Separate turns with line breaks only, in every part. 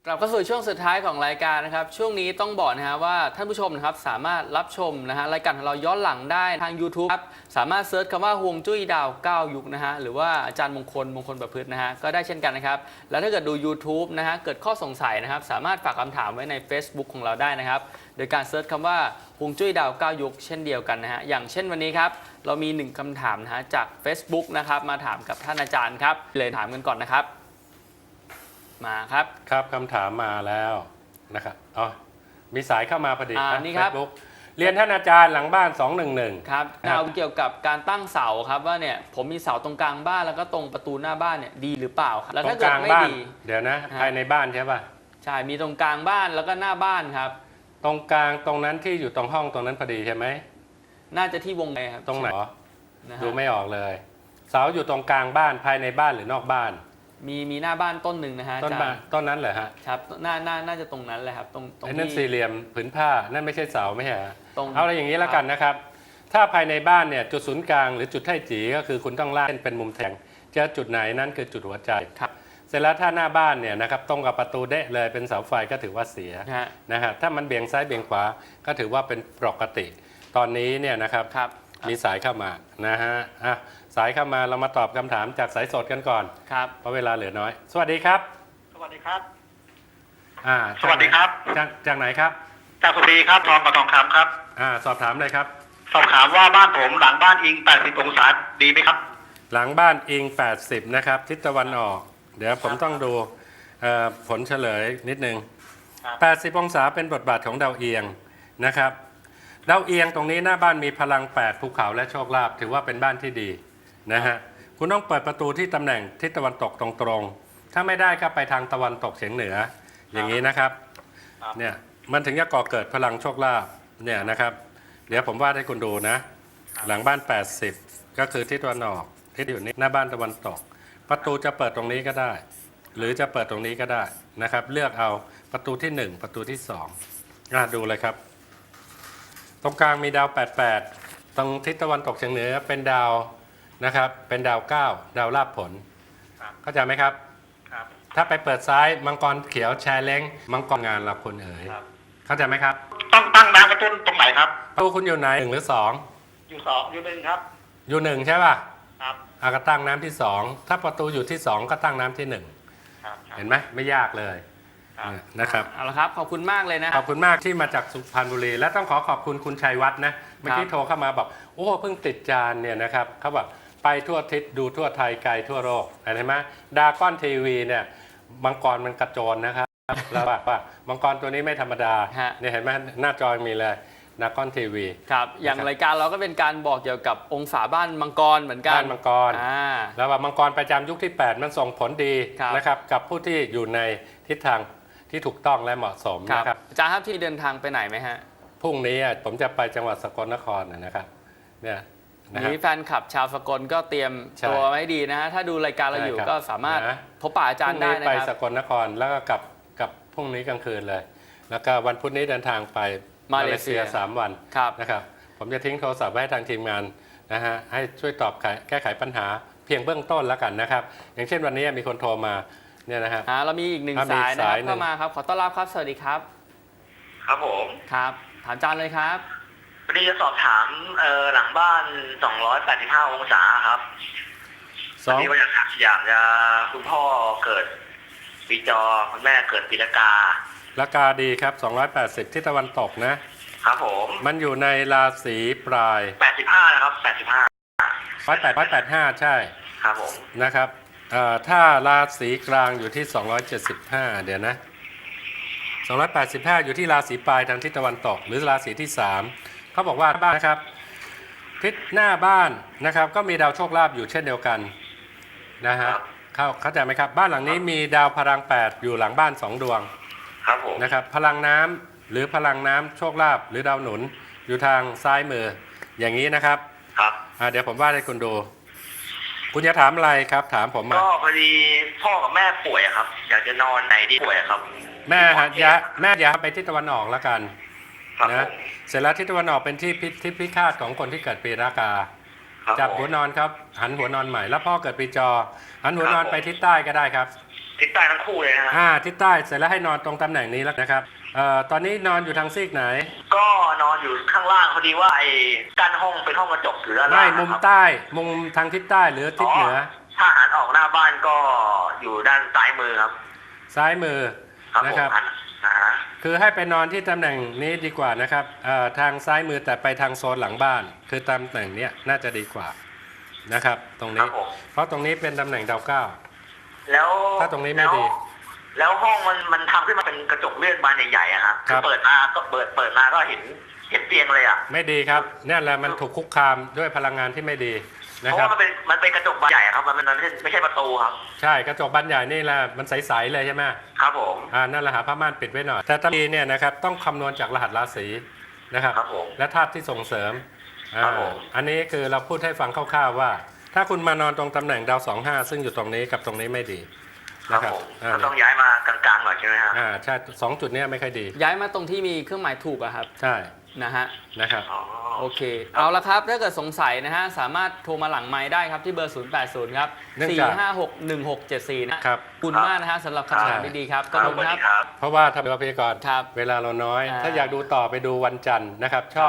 กลับเข้าสู่ช่วงสุดท้ายของรายการนะครับช่วงนี้ต้องบอกนะฮะว่าท่านผู้ชมนะครับสามารถรับชมนะฮะรายการของเราย้อนหลังได้ทาง YouTube ครับสามารถเซิร์ชคำว่าฮวงจุ้ยดาว9ยุคนะฮะหรือว่าอาจารย์มงคลประพฤตินะฮะก็ได้เช่นกันนะครับแล้วถ้าเกิดดู YouTube นะฮะเกิดข้อสงสัยนะครับสามารถฝากคำถามไว้ใน Facebook ของเราได้นะครับโดยการเซิร์ชคำว่าฮวงจุ้ยดาว9ยุคเช่นเดียวกันนะฮะอย่างเช่นวันนี้ครับเรามี1คำถามนะฮะจาก Facebook นะครับมาถามกับท่านอาจารย์ครับเลยถามกันก่อนนะครับมาครับ
ครับคำถามมาแล้วนะครับอ๋อมีสายเข้ามาพอดี
นี่ครับ
Facebook เรียนท่านอาจารย์หลังบ้าน211
ครับเอาเกี่ยวกับการตั้งเสาครับว่าเนี่ยผมมีเสาตรงกลางบ้านแล้วก็ตรงประตูหน้าบ้านเนี่ยดีหรือเปล่าครับแล้วถ้าเกิดไม่ดี
เดี๋ยวนะภายในบ้านใช่ป่ะ
ใช่มีตรงกลางบ้านแล้วก็หน้าบ้านครับ
ตรงกลางตรงนั้นที่อยู่ตรงห้องตรงนั้นพอดีใช่ไหม
น่าจะที่วงในครับ
ตรงไหนดูไม่ออกเลยเสาอยู่ตรงกลางบ้านภายในบ้านหรือนอกบ้าน
มีหน้าบ้านต้นหนึ่งนะฮะ
ต้นนั้นเหรอฮะ
ครับน่าจะตรงนั้นแหละครับตรง
นั่นสี่เหลี่ยมผืนผ้านั่นไม่ใช่เสาไม่ใช่ฮะเอาอะไรอย่างนี้แล้วกันนะครับถ้าภายในบ้านเนี่ยจุดศูนย์กลางหรือจุดไถ่จีก็คือคุณต้องลากเป็นมุมแทงจะจุดไหนนั่นคือจุดหัวใจ
ครับ
เสร็จแล้วถ้าหน้าบ้านเนี่ยนะครับตรงกับประตูเดะเลยเป็นเสาไฟก็ถือว่าเสียนะฮะถ้ามันเบี่ยงซ้ายเบี่ยงขวาก็ถือว่าเป็นปกติตอนนี้เนี่ยนะครับมีสายเข้ามานะฮะสายเข้ามาเรามาตอบคำถามจากสายสดกันก่อน
ครับ
เพราะเวลาเหลือน้อยสวัสดีครับ
สวัสดีครับ
สวัสดีครับจากไหนครับ
จากสุพรรณครับทองกับทองคำครับ
สอบถามเลยครับ
สอบถามว่าบ้านผมหลังบ้านอิง80องศาดีไหมครับ
หลังบ้านอิง80นะครับทิศตะวันออกเดี๋ยวผมต้องดูผลเฉลยนิดนึง80องศาเป็นบทบาทของดาวเอียงนะครับดาวเอียงตรงนี้หน้าบ้านมีพลัง8ภูเขาและโชคลาภถือว่าเป็นบ้านที่ดีนะฮะคุณต้องเปิดประตูที่ตำแหน่งทิศตะวันตกตรงๆถ้าไม่ได้ก็ไปทางตะวันตกเฉียงเหนืออย่างนี้นะครับเนี่ยมันถึงจะก่อเกิดพลังโชคลาภเนี่ยนะครับเดี๋ยวผมวาดให้คุณดูนะหลังบ้าน80ก็คือทิศตะวันออกทิศอยู่นี้หน้าบ้านตะวันตกประตูจะเปิดตรงนี้ก็ได้หรือจะเปิดตรงนี้ก็ได้นะครับเลือกเอาประตูที่1ประตูที่2ดูเลยครับตรงกลางมีดาว88ตรงทิศตะวันตกเฉียงเหนือเป็นดาวนะครับเป็นดาว9ดาวลาภผลเข้าใจไหมครับถ้าไปเปิดซ้ายมังกรเขียวแชร์เล้งมังกรงานเราคนเอ๋ยเข้าใจไหมครับ
ต้องตั้งน้ำกระตุ้นตรงไหนครับ
ประตูคุณอยู่ไหน1หรือ2
อยู่2อยู่1ครับ
อยู่1ใช่ป่ะ
ครับ
ก็ตั้งน้ำที่2ถ้าประตูอยู่ที่2ก็ตั้งน้ำที่1เห็นไหมไม่ยากเลยนะครับ
เอาละครับขอบคุณมากเลยนะ
ขอบคุณมากที่มาจากสุพรรณบุรีและต้องขอบคุณคุณชัยวัฒน์นะเมื่อกี้โทรเข้ามาบอกโอ้เพิ่งติดจานเนี่ยนะครับเขาบอกไปทั่วทิศดูทั่วไทยไกลทั่วโลกเห็นไหมดาก้อนทีวีเนี่ยมังกรมันกระโจนนะครับแล้วว่ามังกรตัวนี้ไม่ธรรมดาเนี่ยเห็นไหมหน้าจอมีเลยดาก้อนทีวี
ครับอย่างรายการเราก็เป็นการบอกเกี่ยวกับองศาบ้านมังกรเหมือนกัน
บ้านมังกรแล้วว่ามังกรประจำยุคที่8มันส่งผลดีนะครับกับผู้ที่อยู่ในทิศทางที่ถูกต้องและเหมาะสมนะครับ
อาจารย์ครับที่เดินทางไปไหนไหมฮะ
พรุ่งนี้ผมจะไปจังหวัดสกลนครนะครับเนี่ย
นี่แฟนคลับชาวสกลก็เตรียมตัวไว้ดีนะฮะถ้าดูรายการเราอยู่ก็สามารถพบปะอาจารย์ได้นะครับ
ไปสกลนครแล้วก็กับพรุ่งนี้กลางคืนเลยแล้วก็วันพุธนี้เดินทางไปมาเลเซีย3 วันนะครับผมจะทิ้งโทรศัพท์ไว้ให้ทางทีมงานนะฮะให้ช่วยตอบแก้ไขปัญหาเพียงเบื้องต้นแล้วกันนะครับอย่างเช่นวันนี้มีคนโทรมาเนี่ยนะครับ
เรามีอีก1 สายนะครับเข้ามาครับขอต้อนรับครับสวัสดีครับ
ครับผม
ครับถามอาจารย์เลยครับ
วันนี้จะสอบถามหลังบ้าน285องศาครับวันนี้ว่าอยากจะคุณพ่อเกิดปีจอคุณแม่เกิดปีละกา
ละกาดีครับ280ที่ตะวันตกนะครับ
ผม
มันอยู่ในราศีปลาย
85นะครับ
85ใช่
ครับผม
นะครับถ้าราศีกลางอยู่ที่275เดี๋ยวนะ285อยู่ที่ราศีปลายทางทิศตะวันตกหรือราศีที่3เขาบอกว่าบ้านนะครับทิศหน้าบ้านนะครับก็มีดาวโชคลาภอยู่เช่นเดียวกันนะฮะเข้าใจไหมครับบ้านหลังนี้มีดาวพลัง8อยู่หลังบ้าน2 ดวง
ครับผม
นะครับพลังน้ำหรือพลังน้ำโชคลาภหรือดาวหนุนอยู่ทางซ้ายมืออย่างนี้นะครับ
ครับ
เดี๋ยวผมวาดให้คุณดูคุณจะถามอะไรครับถามผมมา
ก็พอดีพ่อกับแม่ป่วยครับอยากจะนอนไหนดีป่วยครับ
แม่อย่าไปทิศตะวันออกแล้วกันนะเสร็จแล้วทิศตะวันออกเป็นที่พิฆาตของคนที่เกิดปีรากาจับหัวนอนครับหันหัวนอนใหม่แล้วพ่อเกิดปีจอหันหัวนอนไปทิศใต้ก็ได้ครับ
ททิศใต้ทั้งคู่เลยนะฮะ
ทิศใต้เสร็จแล้วให้นอนตรงตำแหน่งนี้แล้วนะครับตอนนี้นอนอยู่ทางซีกไหน
ก็นอนอยู่ข้างล่างพอดีว่าไอ้กั้นห้องเป็นห้องกระจกอยู่ด้านล่าง
ไม่มุมใต้มุมทางทิศใต้หรือทิศเหนือ
ถ้าหันออกหน้าบ้านก็อยู่ด้านซ้ายมือครับ
ซ้ายมือนะครับคือให้ไปนอนที่ตำแหน่งนี้ดีกว่านะครับทางซ้ายมือแต่ไปทางโซนหลังบ้าน คือตำแหน่งนี้น่าจะดีกว่านะครับตรงนี้เพราะตรงนี้เป็นตำแหน่งดาวเก้า
แล้ว
ถ้าตรงนี้ไม่ดี
แล้วห้องมันทำขึ้นมาเป็นกระจกเลื่อนบานใหญ่ๆอะครับคือเปิดมาก็เปิดมาก็เห็นเตียงเลยอะ
ไม่ดีครับนี่แหละมันถูกคุกคามด้วยพลังงานที่ไม่ดี
เพราะว่ามันเป็นกระจกบานใหญ่ครับมันไม่ใช่ประตูครับ
ใช่กระจกบานใหญ่นี่แหละมันใสๆเลยใช่ไหม
ครับผม
นั่นแหละหาผ้าม่านปิดไว้หน่อยแต่ตำนี้เนี่ยนะครับต้องคำนวณจากรหัสราศีนะครับและธาตุที่ส่งเสริมอันนี้คือเราพูดให้ฟังคร่าวๆว่าถ้าคุณมานอนตรงตำแหน่งดาว25ซึ่งอยู่ตรงนี้กับตรงนี้ไม่ดี
นะครับต้องย้ายมากลางๆหน่อยใช่ไหมครับ
ใช่2จุดนี้ไม่ค่อยดี
ย้ายมาตรงที่มีเครื่องหมายถูกอะครับ
ใช่
นะครับโอเคเอาละครับถ้าเกิดสงสัยนะฮะสามารถโทรมาหลังไมค์ได้ครับที่เบอร์ 080 ครับ 4561674 นะครับคุณมากนะฮะสำหรับคำถามดีๆครับ
ขอบคุณครับ
เพราะว่าทำพยากรณ์เวลาเราน้อยถ้าอยากดูต่อไปดูวันจันทร์นะครับช่อง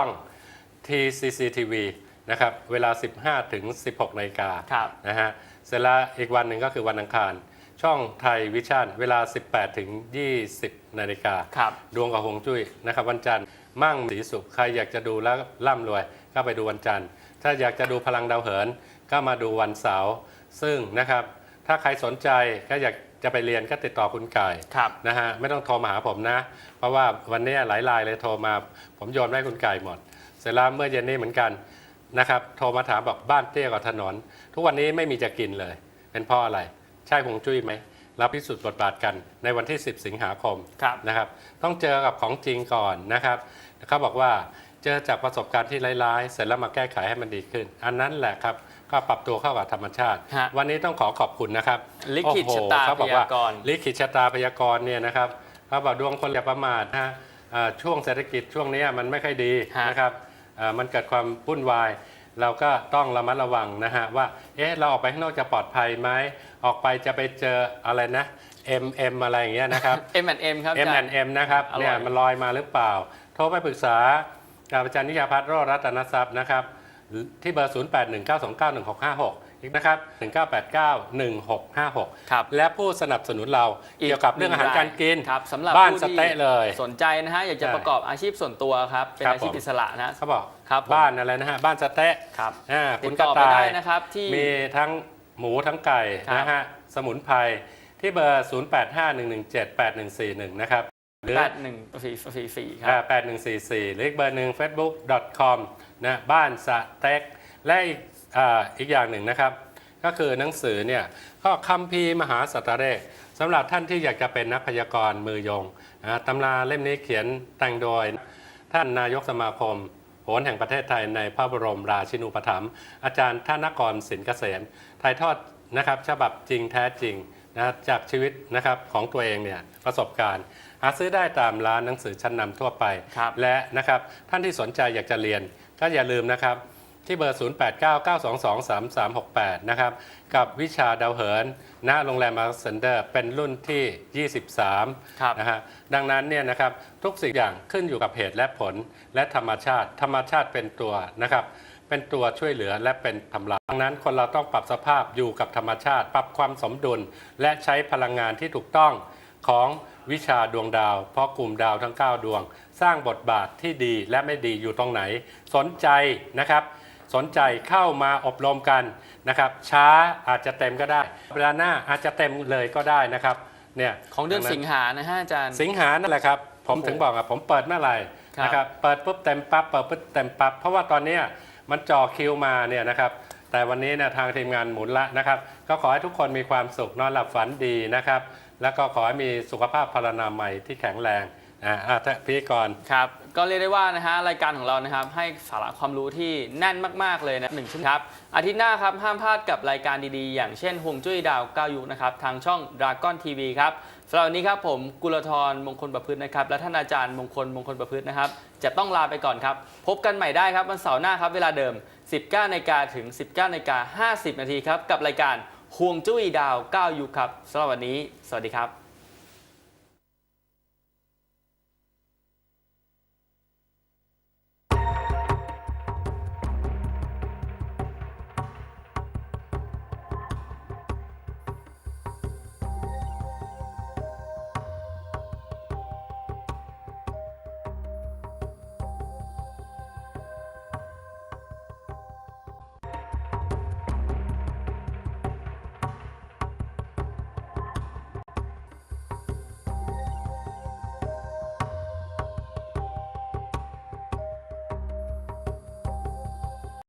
TCCTV นะครับเวลา 15 ถึง 16 นาฬิกานะฮะเสร็จแล้วอีกวันหนึ่งก็คือวันอังคารช่องไทยวิชั่นเวลา 18 ถึง 20 นาฬิกาดวงกับฮวงจุ้ยนะครับวันจันทร์มั่งสีสุขใครอยากจะดูแล้วร่ำรวยก็ไปดูวันจันทร์ถ้าอยากจะดูพลังดาวเหินก็มาดูวันเสาร์ซึ่งนะครับถ้าใครสนใจก็อยากจะไปเรียนก็ติดต่อคุณไก่นะฮะไม่ต้องโทรมาหาผมนะเพราะว่าวันนี้หลายรายเลยโทรมาผมโยนให้คุณไก่หมดเสร็จแล้วเมื่อเย็นนี้เหมือนกันนะครับโทรมาถามบอกบ้านเตี้ยกว่าถนนทุกวันนี้ไม่มีจะกินเลยเป็นเพราะอะไรใช่ฮวงจุ้ยไหมเราพิสูจน์บทบาทกันในวันที่ 10 สิงหาคมนะครับต้องเจอกับของจริงก่อนนะครับเขาบอกว่าเจอจากประสบการณ์ที่ร้ายๆเสร็จแล้วมาแก้ไขให้มันดีขึ้นอันนั้นแหละครับก็ปรับตัวเข้ากับธรรมชาติวันนี้ต้องขอบคุณนะครับ
ลิขิตชะตาพยากรณ์
ลิขิตชะตาพยากรณ์เนี่ยนะครับเขาบอกดวงคนอย่าประมาทนะช่วงเศรษฐกิจช่วงนี้มันไม่ค่อยดีนะครับมันเกิดความวุ่นวายเราก็ต้องระมัดระวังนะฮะว่าเราออกไปข้างนอกจะปลอดภัยไหมออกไปจะไปเจออะไรนะ M อะไรอย่างเงี้ยนะครับ
M&M ครับ
M&M นะครับเนี่ยมันลอยมาหรือเปล่าโทรไปปรึกษากับอาจารย์นิยาพัฒน์โรจน์รัตนทรัพย์นะครับที่เบอร์ 0819291656 อีกนะครับ 19891656 และผู้สนับสนุนเราเกี่ยวกับเรื่องอาหารการกิน
สำหรับ
บ้านสเต๊ะเลย
สนใจนะฮะอยากจะประกอบอาชีพส่วนตัวครับเป็นอาชีพอิสระนะ
เขาบอกบ้านอะไรนะฮะบ้านสเต๊ะคุณกระต่าย
นะครับที่
มีทั้งหมูทั้งไก่นะฮะสมุนไพรที่เบอร์ 0851178141 นะครับ
หรือ8144ครับ
8144หรืออีกเบอร์หนึ่ง facebook.com นะบ้านสเต็กและอีกอย่างหนึ่งนะครับก็คือหนังสือเนี่ยก็คัมภีร์มหาสัตเรศสำหรับท่านที่อยากจะเป็นนักพยากรณ์มือยงตำราเล่มนี้เขียนแต่งโดยท่านนายกสมาคมโหรแห่งประเทศไทยในพระบรมราชินูปถัมภ์อาจารย์ธนกรสินเกษมถ่ายทอดนะครับฉบับจริงแท้จริงนะจากชีวิตนะครับของตัวเองเนี่ยประสบการณ์หาซื้อได้ตามร้านหนังสือชั้นนำทั่วไปและนะครับท่านที่สนใจอยากจะเรียนก็อย่าลืมนะครับที่เบอร์ 0899223368 นะครับกับวิชาดาวเหินณโรงแรมมาร์เซนเดอร์เป็นรุ่นที่ 23นะฮะดังนั้นเนี่ยนะครับทุกสิ่งอย่างขึ้นอยู่กับเหตุและผลและธรรมชาติเป็นตัวนะครับเป็นตัวช่วยเหลือและเป็นทำลายดังนั้นคนเราต้องปรับสภาพอยู่กับธรรมชาติปรับความสมดุลและใช้พลังงานที่ถูกต้องของวิชาดวงดาวเพราะกลุ่มดาวทั้ง9ดวงสร้างบทบาทที่ดีและไม่ดีอยู่ตรงไหนสนใจนะครับสนใจเข้ามาอบรมกันนะครับช้าอาจจะเต็มก็ได้เวลาหน้าอาจจะเต็มเลยก็ได้นะครับเนี่ย
ของเดือนสิงหานะฮะอาจารย์
สิงหานั่นแหละครับผมถึงบอกผมเปิดเมื่อไหร่นะครับเปิดปุ๊บเต็มปั๊บเปิดปุ๊บเต็มปั๊บเพราะว่าตอนนี้มันจ่อคิวมาเนี่ยนะครับแต่วันนี้เนี่ยทางทีมงานหมุนละนะครับก็ขอให้ทุกคนมีความสุขนอนหลับฝันดีนะครับแล้วก็ขอให้มีสุขภาพพรรณนามัยที่แข็งแรงพี่ก่อน
ครับก็เรียกได้ว่านะฮะรายการของเรานะครับให้สาระความรู้ที่แน่นมากๆเลยนะ1 ชั่วโมงครับอาทิตย์หน้าครับห้ามพลาดกับรายการดีๆอย่างเช่นฮวงจุ้ยดาว9ยุคนะครับทางช่อง Dragon TV ครับสำหรับวันนี้ครับผมกุลธรมงคลประพฤตินะครับและท่านอาจารย์มงคลประพฤตินะครับจะต้องลาไปก่อนครับพบกันใหม่ได้ครับวันเสาร์หน้าครับเวลาเดิม 19:00 นถึง 19:50 นครับกับรายการห่วงจุ้ยดาว9ยุคครับสำหรับวันนี้สวัสดีครับ